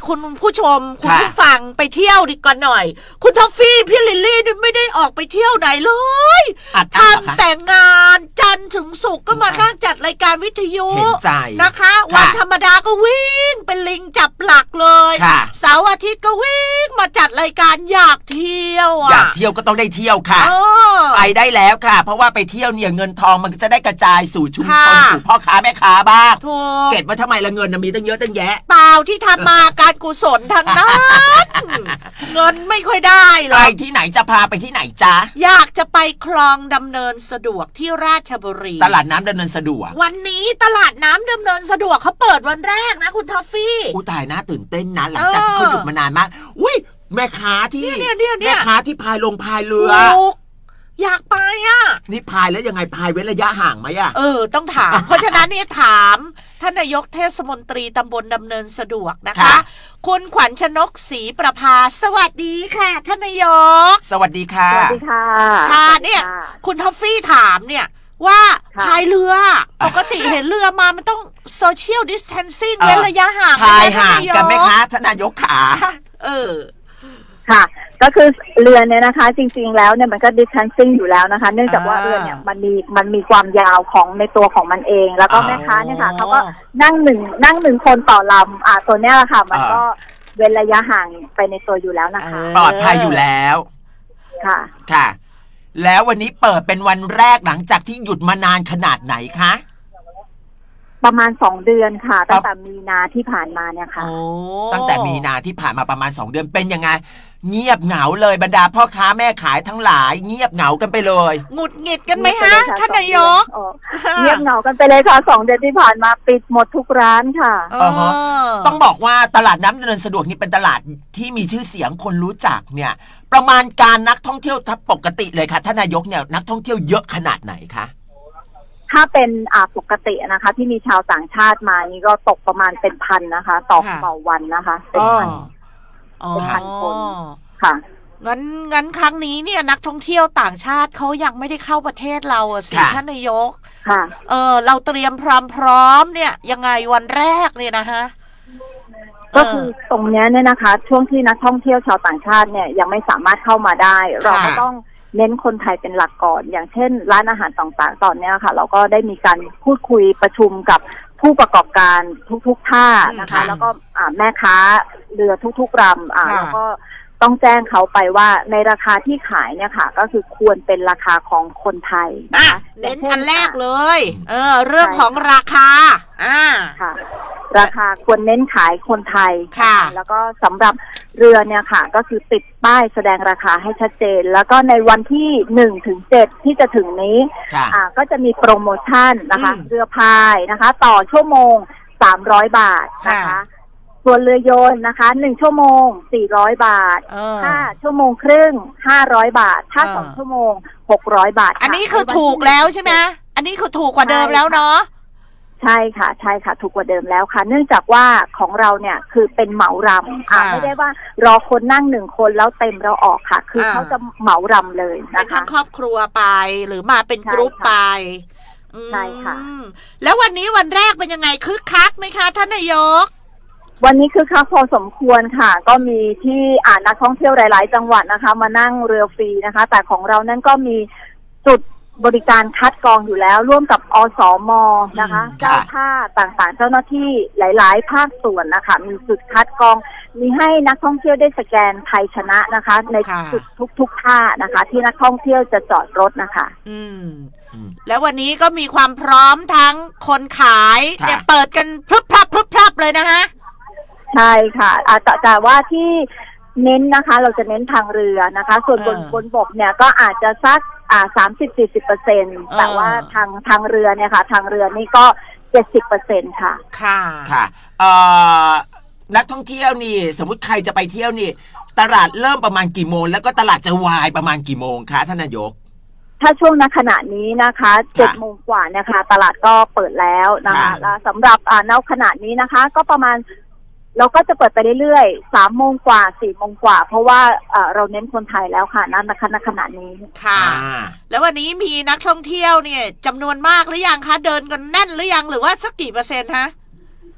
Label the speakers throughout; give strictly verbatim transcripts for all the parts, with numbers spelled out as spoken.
Speaker 1: คุณผู้ชมคุณผู้ฟังไปเที่ยวดีกว่าหน่อยคุณทอฟฟี่พี่ลิลลี่ไม่ได้ออกไปเที่ยวไหนเลยทำแต่งานจันทร์ถึงศุกร์ก็มานั่งจัดรายการวิทยุนะคะวันธรรมดาก็วิ่งเป็นลิงจับหลักเลยเสาร์อาทิตย์ก็วิ่งมาจัดรายการอยากเที่ยวอ่ะ
Speaker 2: อยากเที่ยวก็ต้องได้เที่ยวค่ะไปได้แล้วค่ะเพราะว่าไปเที่ยวเนี่ยเงินทองมันจะได้กระจายสู่ชุมชนสู่พ่อค้าแม่ค้าบ้างเก็บไว้ทำไมละเงินมีตั้งเยอะตั้งแยะ
Speaker 1: เปล่าที่ทำมาการกุศลทั้งนั้นเงินไม่ค่อยได้หรอก
Speaker 2: ไปที่ไหนจะพาไปที่ไหนจ๊ะ
Speaker 1: อยากจะไปคลองดำเนินสะดวกที่ราชบุรี
Speaker 2: ตลาดน้ำดำเนินสะดวก
Speaker 1: วันนี้ตลาดน้ำดำเนินสะดวกเขาเปิดวันแรกนะคุณทอฟฟี่
Speaker 2: อู้ตายน่าตื่นเต้นนะหลังจากที่เขาหยุดมานานมากอุ้ยแม่ค้าที่แม่ค้าที่พายลงพายเรือ
Speaker 1: อยากไปอ่ะ
Speaker 2: นี่พายแล้วยังไงพายเว้นระยะห่างไหมอ่ะ
Speaker 1: เออต้องถาม เพราะฉะนั้นนี่ถามท่านนายกเทศมนตรีตำบลดำเนินสะดวกนะคะคุณขวัญชนกศรีประภาสวัสดีค่ะท่านนายก
Speaker 2: สวัสดีค่ะ
Speaker 3: สวัสดีค่ะ
Speaker 1: ค่ะเนี่ยคุณทอฟฟี่ถามเนี่ยว่าพายเรือปกติเห็นเรือมามันต้องโซเชียลดิสแทนซิ่งเว้นระยะห่าง
Speaker 2: พายห่างกันไหมคะท่านนายกขา
Speaker 1: เออ
Speaker 3: ค่ะก็คือเรือเนี่ยนะคะจริงๆแล้วเนี่ยมันก็ดิสแทนซิ่งอยู่แล้วนะคะเนื่องจากว่าเรือเนี่ยมันมีมันมีความยาวของในตัวของมันเองแล้วก็แม่ค้าเนี่ยค่ะเขาก็นั่งหนึ่งนั่งหนึ่งคนต่อลำอ่าตัวเนี้ยแหละค่ะมันก็เว้นระยะห่างไปในตัวอยู่แล้วนะคะ
Speaker 2: ปลอดภัยอยู่แล้ว
Speaker 3: ค่ะ
Speaker 2: ค่ะแล้ววันนี้เปิดเป็นวันแรกหลังจากที่หยุดมานานขนาดไหนคะ
Speaker 3: ประมาณสองเดือนค่ะตั้งแต่มีนาที่ผ่านมาเนี่ยค่ะ
Speaker 2: ตั้งแต่มีนาที่ผ่านมาประมาณสองเดือนเป็นยังไงเงียบเหงาเลยบรรดาพ่อค้าแม่ขายทั้งหลายเงียบเหงากันไปเลย
Speaker 1: หงุดหงิดกันไหมฮะท่านนายก
Speaker 3: เงียบเหงากันไปเลยค่ะสองเดือนที่ผ่านมาปิดหมดทุกร้านค่ะ
Speaker 2: ต้องบอกว่าตลาดน้ำดำเนินสะดวกนี่เป็นตลาดที่มีชื่อเสียงคนรู้จักเนี่ยประมาณการนักท่องเที่ยวทับปกติเลยค่ะท่านนายกเนี่ยนักท่องเที่ยวเยอะขนาดไหนคะ
Speaker 3: ถ้าเป็นอ่าปกตินะคะที่มีชาวต่างชาติมานี่ก็ตกประมาณเป็นพันนะคะต่อต่อวันนะคะเป็นพันเป็นพันคนค่ะ
Speaker 1: งั้นงั้นครั้งนี้เนี่ยนักท่องเที่ยวต่างชาติเขายังไม่ได้เข้าประเทศเราสิท่านนายก
Speaker 3: ค่ะ
Speaker 1: เออเราเตรียมพร้อมพร้อมเนี่ยยังไงวันแรกเนี่ยนะฮะ
Speaker 3: ก็คือตรงนี้เนี่ยนะคะช่วงที่นักท่องเที่ยวชาวต่างชาติเนี่ยยังไม่สามารถเข้ามาได้เราก็ต้องเน้นคนไทยเป็นหลักก่อนอย่างเช่นร้านอาหารต่างๆตอนนี้ค่ะเราก็ได้มีการพูดคุยประชุมกับผู้ประกอบการทุกๆท่านะคะแล้วก็แม่ค้าเรือทุกๆลำแล้วก็ต้องแจ้งเขาไปว่าในราคาที่ขายเนี่ยค่ะก็คือควรเป็นราคาของคนไทย
Speaker 1: นะคะเน้นอันแรกเลยเออเรื่องของราคาอ่า
Speaker 3: ค่ะราคาควรเน้นขายคนไทย
Speaker 1: ค่ะ
Speaker 3: แล้วก็สำหรับเรือเนี่ยค่ะก็คือติดป้ายแสดงราคาให้ชัดเจนแล้วก็ในวันที่หนึ่งถึงเจ็ดที่จะถึงนี้อ่าก็จะมีโปรโมชั่นนะคะเรือพายนะคะต่อชั่วโมงสามร้อยบาทนะคะส่วนเรือโยนนะคะหนึ่งชั่วโมงสี่ร้อยบาทห้าชั่วโมงครึ่งห้าร้อยบาทถ้าสองชั่วโมงหกร้อยบาท
Speaker 1: อันนี้คือถูกแล้วใช่ไหมอันนี้คือถูกกว่าเดิมแล้วเนาะ
Speaker 3: ใช่ค่ะใช่ค่ะถูกกว่าเดิมแล้วค่ะเนื่องจากว่าของเราเนี่ยคือเป็นเหมารำอ่าไม่ได้ว่ารอคนนั่งหนึ่งคนแล้วเต็มแล้วออกค่ะคือเขาจะเหมารำเลยนะคะ
Speaker 1: ทั้งครอบครัวไปหรือมาเป็นกรุ๊ปไป
Speaker 3: ใช่ค่ะ
Speaker 1: แล้ววันนี้วันแรกเป็นยังไงคึกคักไหมคะท่านนายก
Speaker 3: วันนี้คือคักพอสมควรค่ะก็มีที่อ่านักท่องเที่ยวหลายๆจังหวัดนะคะมานั่งเรือฟรีนะคะแต่ของเรานั้นก็มีจุดบริการคัดกรองอยู่แล้วร่วมกับอสม.นะคะเจ้าท่าต่างๆเจ้าหน้าที่หลายๆภาคส่วนนะคะมีจุดคัดกรองมีให้นักท่องเที่ยวได้สแกนไทยชนะนะคะในจุดทุกๆท่านะคะที่นักท่องเที่ยวจะจอดรถนะคะ
Speaker 1: อืมแล้ววันนี้ก็มีความพร้อมทั้งคนขายเนี่ยเปิดกันพรึบพรับพรึบพรับเลยนะคะ
Speaker 3: ใช่ค่ะแต่แต่ว่าที่เน้นนะคะเราจะเน้นทางเรือนะคะส่วนบนบนบกเนี่ยก็อาจจะสักอ่าสามสิบสี่สิบเปอร์เซ็นต์แต่ว่าทางทางเรือเนี่ยค่ะทางเรือนี่ก็เจ็ดสิบเปอร์เซ็นต์ค่ะ
Speaker 1: ค่ะ
Speaker 2: ค่ะเอ่อนักท่องเที่ยวนี่สมมุติใครจะไปเที่ยวนี่ตลาดเริ่มประมาณกี่โมงแล้วก็ตลาดจะวายประมาณกี่โมงคะท่านนายก
Speaker 3: ถ้าช่วงณขณะนี้นะคะเจ็ดโมงกว่าเนี่ยค่ะตลาดก็เปิดแล้วนะคะแล้วสำหรับอ่าณขณะนี้นะคะก็ประมาณเราก็จะเปิดไปเรื่อยๆสามโมงกว่าสี่โมงกว่าเพราะว่าเราเน้นคนไทยแล้วค่ะนั่นนะคะณขณะนี้
Speaker 1: ค่ะแล้ววันนี้มีนักท่องเที่ยวเนี่ยจำนวนมากหรือยังคะเดินกันแน่นหรือยังหรือว่าสักกี่เปอร์เซ็นต์คะ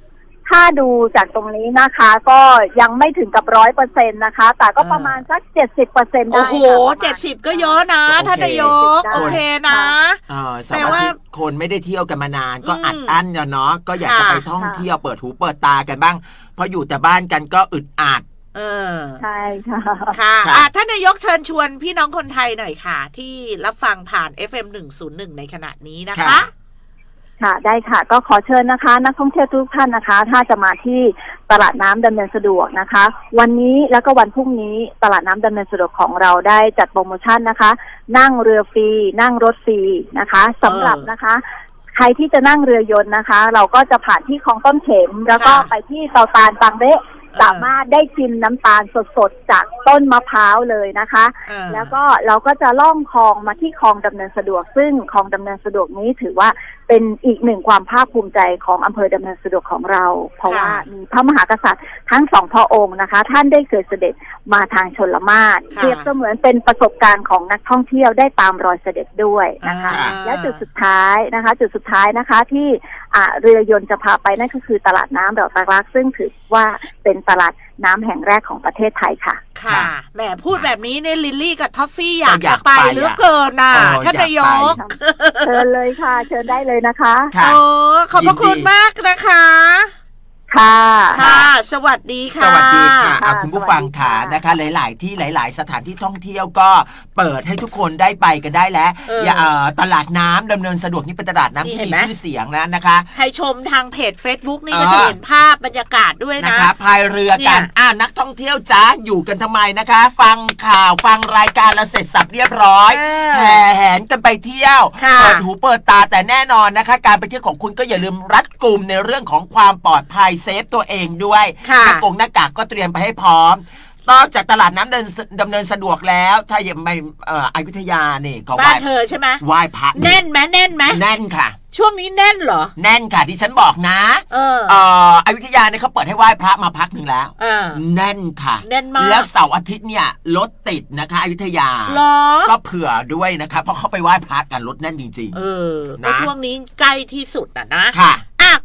Speaker 3: ถ้าดูจากตรงนี้นะคะ ก็ยังไม่ถึงกับร้อยเปอร์เซ็นต์นะคะ แต่ก็ประมาณสักเจ็ดสิบเปอร์เซ็นต์ได้
Speaker 1: โอ้โห
Speaker 3: ค่ะ
Speaker 1: เจ็ดสิบก็เยอะนะท่านนายกโอเคนะ
Speaker 2: เออสมัยที่คนไม่ได้เที่ยวกันมานานก็อัดอั้นเนาะก็อยากจะไปท่องเที่ยวเปิดหูเปิดตากันบ้างเพราะอยู่แต่บ้านกันก็อึดอัด
Speaker 1: เออ
Speaker 3: ใช่ค่ะ
Speaker 1: ค่ะอ่ะท่านนายกเชิญชวนพี่น้องคนไทยหน่อยค่ะที่รับฟังผ่าน เอฟ เอ็ม หนึ่งศูนย์หนึ่งในขณะนี้นะคะ
Speaker 3: ค่ะได้ค่ะก็ขอเชิญนะคะนักท่องเที่ยวทุกท่านนะคะถ้าจะมาที่ตลาดน้ำดำเนินสะดวกนะคะวันนี้แล้วก็วันพรุ่งนี้ตลาดน้ำดำเนินสะดวกของเราได้จัดโปรโมชั่นนะคะนั่งเรือฟรีนั่งรถฟรีนะคะสำหรับนะคะใครที่จะนั่งเรือยนต์นะคะ เราก็จะผ่านที่คลองต้นเข็มแล้วก็ไปที่เตาตาลบางเละสามารถได้ชิมน้ำตาลสดๆจากต้นมะพร้าวเลยนะคะแล้วก็เราก็จะล่องคลองมาที่คลองดำเนินสะดวกซึ่งคลองดำเนินสะดวกนี้ถือว่าเป็นอีกหนึ่งความภาคภูมิใจของอำเภอดำเนินสะดวกของเราเพราะว่ามีพระมหากษัตริย์ทั้งสองพระองค์นะคะท่านได้เคยเสด็จมาทางชลมาศเปรียบเสมือนเป็นประสบการณ์ของนักท่องเที่ยวได้ตามรอยเสด็จด้วยนะคะและจุดสุดท้ายนะคะจุดสุดท้ายนะคะที่เรือยนต์จะพาไปนั่นก็คือตลาดน้ำดอกตะลักซึ่งถือว่าเป็นตลาดน้ำแห่งแรกของประเทศไทยค่ะ
Speaker 1: ค่ะแหมพูดแบบนี้เนี่ยลิลลี่กับท็อฟฟี่อยากจะไปเหลือเกินน่ะท่านนายก
Speaker 3: เชิญเลยค่ะเชิญได้เลยนะคะ
Speaker 1: โอ้ขอบพระคุณมากนะคะ
Speaker 3: ค่ะ
Speaker 1: ค่ะสวัสดีค่ะ
Speaker 2: สวัสดีค่ะคุณผู้ฟังค่ะนะคะหลายๆที่หลายๆสถานที่ท่องเที่ยวก็เปิดให้ทุกคนได้ไปกันได้แล้วอย่าตลาดน้ำดำเนินสะดวกนี่เป็นตลาดน้ำที่มีชื่อเสียงแล้วนะคะ
Speaker 1: ใครชมทางเพจ Facebook นี่ก็จะเห็นภาพบรรยากาศด้วยนะ
Speaker 2: นะคะพายเรือกันอ่านักท่องเที่ยวจ้าอยู่กันทำไมนะคะฟังข่าวฟังรายการแล้วเสร็จสับเรียบร้อยแห่แหนกันไปเที่ยวเปิดหูเปิดตาแต่แน่นอนนะคะการไปเที่ยวของคุณก็อย่าลืมรัดกุมในเรื่องของความปลอดภัยเซฟตัวเองด้วยหน้ากงหน้ากากก็เตรียมไปให้พร้อมนอกจากตลาดน้ำเดินดำเนินสะดวกแล้วถ้ายังไม่เอ่ออยุธยานี่ก็
Speaker 1: บ้านเธอใช่ไหม
Speaker 2: ไหว้พระ
Speaker 1: แน่นไหมแน่นไหม
Speaker 2: แน่นค่ะ
Speaker 1: ช่วงนี้แน่นเหรอ
Speaker 2: แน่นค่ะที่ฉันบอกนะเออเอ่ออยุธยาเนี่ยเขาเปิดให้ไหว้พระมาพักหนึ่งแล้วแน่นค่ะ
Speaker 1: แน่นมาก
Speaker 2: แล้วเสาร์อาทิตย์เนี่ยรถติดนะคะอยุธยาก็เผื่อด้วยนะคะเพราะเขาไปไหว้พระกันรถแน่นจริงๆ
Speaker 1: เออในช่วงนี้ใกล้ที่สุดอ่ะนะ
Speaker 2: ค่ะ